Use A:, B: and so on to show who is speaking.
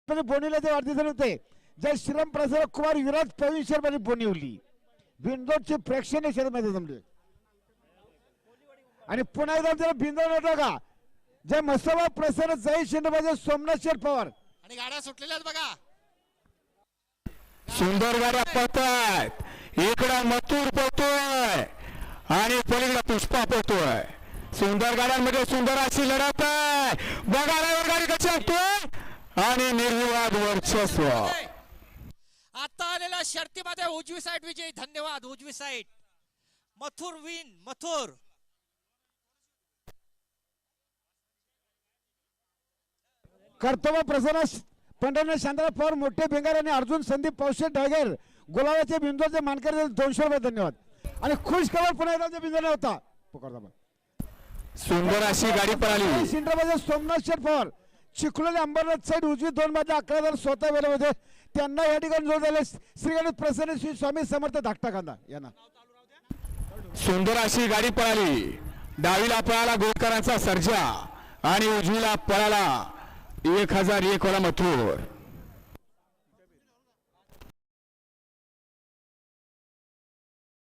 A: बोनिवल्याचे वाढदिवस होते. जय श्रीराम प्रसाद कुमार विराज प्रवीण शर्मा बोनिवली बिंदोडचे प्रेक्षणीय क्षेत्रामध्ये जमले. आणि पुन्हा एकदा बिंदोड होता का जय मसोबा प्रसन्न जय शिंदे सोमनाथ शेठ पवार.
B: आणि गाड्या सुटलेल्या आहेत बघा.
C: सुंदर गाड्या पळतायत. इकडं मथुर पळतोय आणि पलीकडे पुष्पा पळतोय. सुंदर गाड्यांमध्ये सुंदर अशी लढत आहे. बघा गाडी कशी असतोय आणि निर्विवाद वर्चस्व.
B: आता आलेल्या शर्तीमध्ये उजवी साईड विजयी. धन्यवाद उजवी साईड. मथुर विन मथुर.
A: कर्तव्य प्रसन्न पंढरनाथ शांतराव पवार मोठे बेंगार आणि अर्जुन संदीप पावशे ढागेर गुलाबाचे बिंदूचे मानकरी 200 रुपये. धन्यवाद. आणि खुश खबर पुन्हा एकदा बिंदूला होता.
C: सुंदर अशी गाडी पळाली.
A: सिंद्राबाद सोमनाथ शेठ पवार चिखलोली अंबरनाथ साईड उजवी 2 मध्ये 11 स्वतः वेळे होते. त्यांना या ठिकाणी जोड झाले श्री गणेश प्रसन्न श्री स्वामी समर्थ धाकटा कांदा यांना.
C: सुंदर अशी गाडी पळाली. डावीला पळाला गोळकरांचा सर्जा आणि उजवीला पळाला 1001 वाला मथुर.